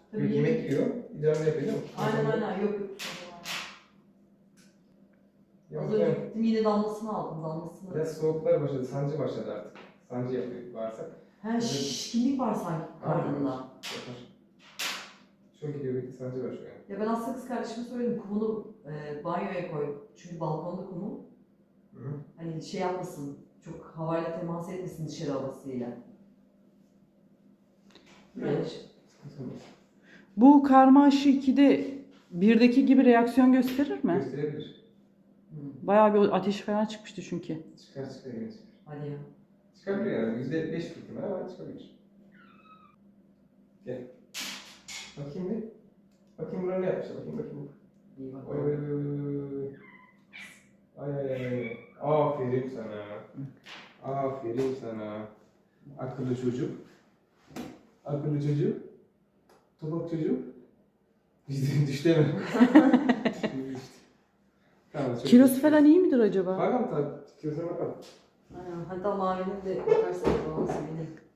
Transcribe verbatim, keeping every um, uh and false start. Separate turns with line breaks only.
Tabii
Yok, yemek yiyor. İdrar yapıyor değil mi?
Aynen aynen yok yok.
Ya,
Az önce gittim yine damlasını aldım damlasını.
biraz soğuklar başladı, sancı başladı artık. Sancı yapıyor bağırsak.
He şişkinlik var sanki karnında.
Yapar. Çok gidiyor, bir sancı var şu an.
Ya ben aslında kız kardeşime söyledim kumunu e, banyoya koy. Çünkü balkonda kumu.
Hı hı.
Hani şey yapmasın, çok havayla temas etmesin dışarı havasıyla. Böyle şey.
Bu karma aşı ikide birdeki gibi reaksiyon gösterir mi?
Gösterebilir.
Hı.
Bayağı bir ateş falan çıkmıştı çünkü.
Çıkar çıkar yine çıkar.
Hadi ya.
Çıkabilir yani. Yüzde beş ihtimal ama çıkabilir. Gel. Bakayım bir. Bakayım buraya ne yapmışlar. Bakayım bakayım.
İyi bak.
Oy oy oy oy oy. Ay ay ay ay. Aferin sana. Aferin sana. Akıllı çocuk. Akıllı çocuk. Topak çocuk. Bizden düştü mi? Düştü. Tamam. çok
Kilosu
iyi.
falan iyi midir acaba?
Bakalım tabii. Kilosuna bakalım.
Aynen. Hatta mavinin de bakarsan falan söyleyeyim.